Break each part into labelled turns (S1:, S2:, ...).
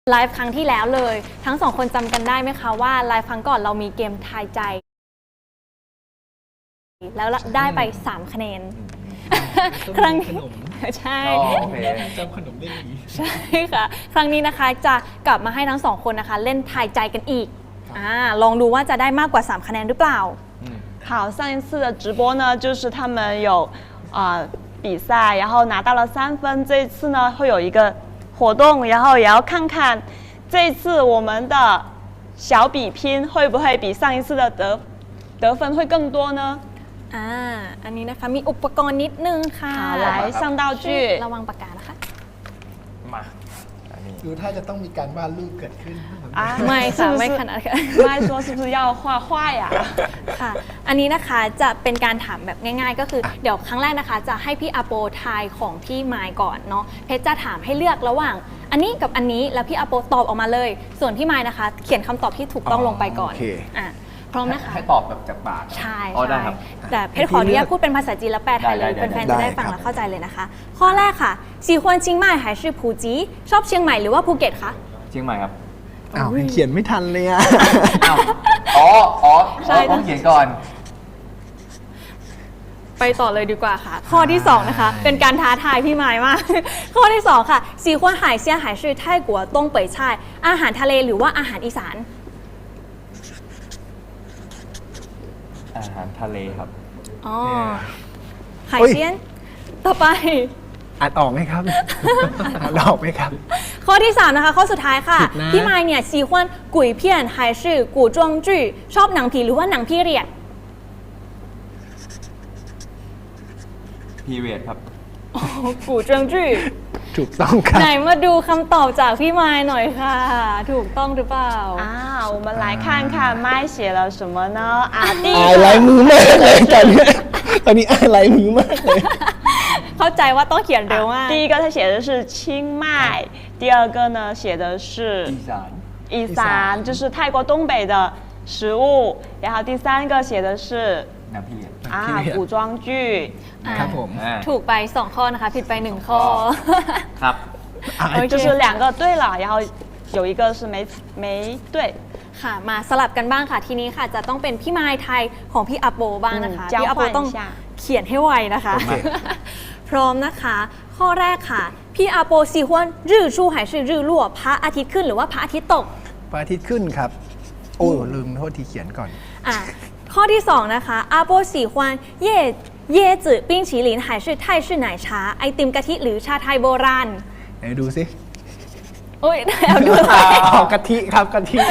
S1: ไลฟ์ครั้งที่แล้วเลยทั้งสองคนจำกันได้ไหมคะว่าไลฟ์ครั้งก่อนเรามีเกมทายใจแล้วได้ไป3คะแนนครั้งนี้ใช่
S2: จำขนมได้ดี
S1: ใช่ค่ะครั้งนี้นะคะจะกลับมาให้ทั้งสองคนนะคะเล่นทายใจกันอีกลองดูว่าจะได้มากกว่า3คะแนนหรือเปล่า
S3: 好，上一次的直播呢，就是他们有比赛，然后拿到了3分。这一次呢，会有一个活动，然后也要看看这一次我们的小比拼会不会比上一次的得分会更多呢？
S1: อันนี้นะคะมีอุปกรณ์นิดนึงค่ะ
S3: 好，来上道具。
S1: ระวังปากกานะคะ
S2: มาดูถ้าจะต้องมีการวาดรูปเกิดขึ้น
S1: ไม่ค่ะไม่ขนาดนั้น
S3: ไม่说是不是要画画呀
S1: ค่ะอันนี้นะคะจะเป็นการถามแบบง่ายๆก็คือเดี๋ยวครั้งแรกนะคะจะให้พี่อาโปทายของพี่ไมค์ก่อนเนาะเพชรจะถามให้เลือกระหว่างอันนี้กับอันนี้แล้วพี่อาโปตอบออกมาเลยส่วนพี่ไมค์นะคะเขียนคำตอบที่ถูกต้องลงไปก่อนพร้อมนะคะ
S2: ให้ตอบแบบจากปาก
S1: ใช่ได้ครับแต่เพชรขออนุญาตพูดเป็นภาษาจีนแล้วแปลไทยเลยแฟนๆจะได้ฟังและเข้าใจเลยนะคะข้อแรกค่ะ喜欢เชียงใหม่还是ภูจีชอบเชียงใหม่หรือว่าภูเก็ตคะ
S2: เชียงใหม่ครับ
S4: อ้าวเขียนไม่ทันเลยอ่ะ
S2: ต้องเขียนก่อน
S1: ไปต่อเลยดีกว่าค่ะข้อที่2นะคะเป็นการท้าทายพี่ไมค์มากข้อที่2ค่ะ喜欢海鲜还是泰国东北菜อาหารทะเลหรือว่าอาหารอีสาน
S2: อาหารทะเลครับ
S1: 海鲜ต่อไป
S4: อ่านออกไหมครับอ่านออกไหมครับ
S1: ข้อที่3นะคะข้อสุดท้ายค่ะพี่ไมค์เนี่ย喜欢鬼片还是古装剧ชอบหนังผีหรือว่าหนังพีเรียด
S2: พีเรียดครับ
S1: 古装剧
S4: ถูกต้องครับ
S1: ไหนมาดูคำตอบจากพี่ไมค์หน่อยค่ะถูกต้องหรือเปล่า
S3: 我们来看看麦写了什么呢
S4: อ่านลายมือมากเลยตอนนี้อ่านลายมือมากเลย
S1: เข้าใจว่าต้องเขียนเร็วมาก
S3: 第一个他写的是清迈第二个呢写的是อีสาน就是泰国东北的食物然后第三个写的是
S2: หนังผี
S3: 古装剧
S4: ครับผม
S1: ถูกไป2ข้อนะคะผิดไป1ข้อ
S2: ครับ
S3: 就是2个对了然后有一个是没对
S1: ค่ะมาสลับกันบ้างค่ะทีนี้ค่ะจะต้องเป็นพี่ไมค์ไทยของพี่อาโปบ้างนะคะพี่อาโปต้องเขียนให้ไวนะคะพร้อมนะคะข้อแรกค่ะพี่อาโป喜欢日出还是日落พระอาทิตย์ขึ้นหรือว่าพระอาทิตย์ตก
S4: พระอาทิตย์ขึ้นครับโอ้ลืมโทษทีเขียนก่อน
S1: ข้อที่2นะคะอาโป喜欢椰子冰淇淋还是泰式奶茶ไอติมกะทิหรือชาไทยโบราณ
S4: ไหนดูสิ
S1: โอ้ยเอาดู
S4: กะทิครับกะทิ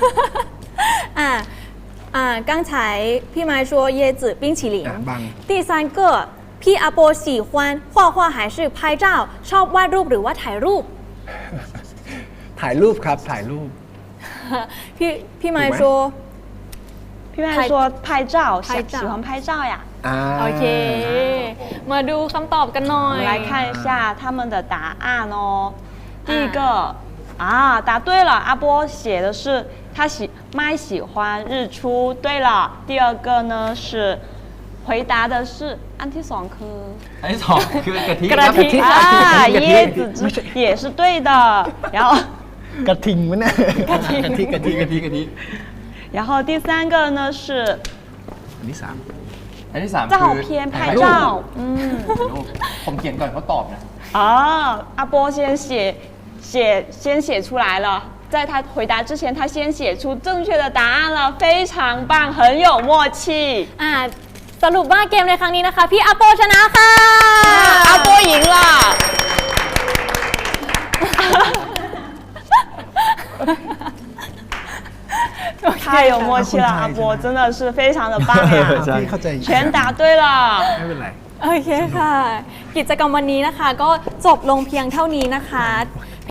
S1: 刚才พี่ไมค์说椰子冰淇淋第三个พี่อาโป喜欢画画还是拍照ชอบวาดรูปหรือว่าถ่ายรูป
S4: ถ่ายรูปครับถ่ายรูป
S1: พี่ไมค์说
S3: พี่ไมค์说拍照喜欢拍照呀
S1: โอเคมาดูคำตอบกันหน่อย
S3: 来看一下他们的答案哦第一个答对了阿波写的是麦喜欢日出对了第二个呢是回答的是อันที่2คื
S2: อันที่2คือกะทิ
S3: 椰子也是对的然后
S4: กระทิงมั้ยเนี่ย
S2: กะทิ
S3: 然后第三个呢是
S4: อันที่3
S3: 照片拍照
S2: ผมเขียนก่อนเขาตอบนะ
S3: 阿波先写出来了在他回答之前他先写出正确的答案了非常棒很有默契
S1: สรุปว่าเกมในครั้งนี้นะคะพี่อาโปชนะค่ะ
S3: 阿波赢了太有默契了阿波真的是非常的棒呀全答对了
S4: ไม่เป็นไร
S1: โอเคค่ะกิจกรรมวันนี้นะคะก็จบลงเพียงเท่านี้นะคะ